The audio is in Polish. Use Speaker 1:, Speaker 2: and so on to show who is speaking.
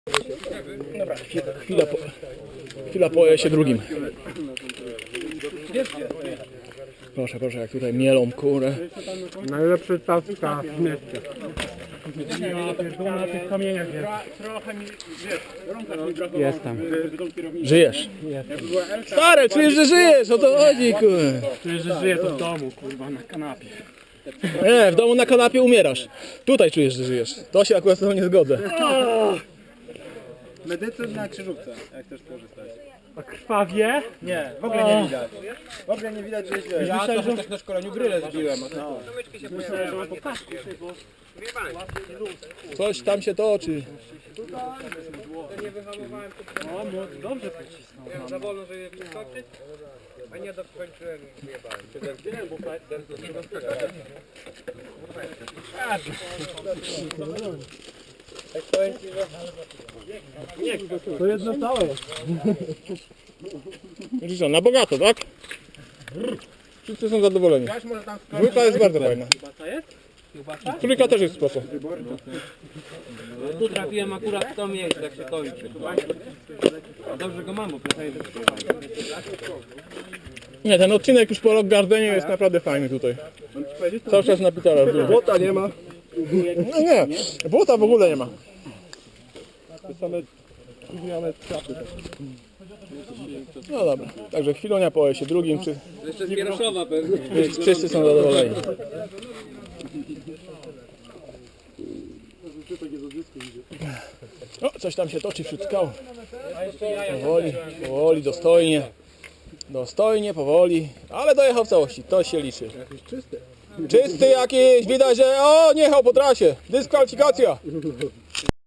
Speaker 1: Dobra, chwila po ES-ie drugim. Proszę, proszę, jak tutaj mielą kurę.
Speaker 2: Najlepszy taska w mieście.
Speaker 1: Na tych kamieniach
Speaker 2: Jestem.
Speaker 1: żyjesz. Stary, czujesz, że żyjesz, o to chodzi, kurwa.
Speaker 2: Czuję, że żyję to w domu, kurwa, na kanapie.
Speaker 1: Nie, w domu na kanapie umierasz. Tutaj czujesz, że żyjesz. To się akurat z tobą nie zgodzę.
Speaker 3: Medycyn na krzyżówce, jak też korzystać.
Speaker 2: A krwawie?
Speaker 3: Nie, w ogóle nie widać. W ogóle nie widać, że jest źle. Ja to też na szkoleniu gryle zbiłem. No.
Speaker 1: Coś tam się toczy.
Speaker 2: O, dobrze to cisnął.
Speaker 4: Za wolno, żeby wyskoczyć, a nie dokończyłem i wyjebałem.
Speaker 2: To jedno całe.
Speaker 1: Widzisz, na bogato, tak? Wszyscy są zadowoleni. Dwójka jest bardzo fajna. Trójka też jest spoko.
Speaker 4: Tu trafiłem akurat w to miejsce, jak się kończy. Dobrze go mam, bo pytaję,
Speaker 1: Nie, ten odcinek już po Rock Gardenie jest naprawdę fajny tutaj. Cały czas na Pitera.
Speaker 3: Błota nie ma.
Speaker 1: No nie, błota w ogóle nie ma. No dobra, także chwilonia po ES-ie drugim,
Speaker 4: Jeszcze z Wieroszowa pewnie.
Speaker 1: wszyscy są zadowoleni. O, coś tam się toczy wśród skał. Powoli, powoli, dostojnie. Dostojnie, powoli, ale dojechał w całości, to się liczy. Czysty jakiś, widać, że o, nie jechał po trasie, dyskwalifikacja.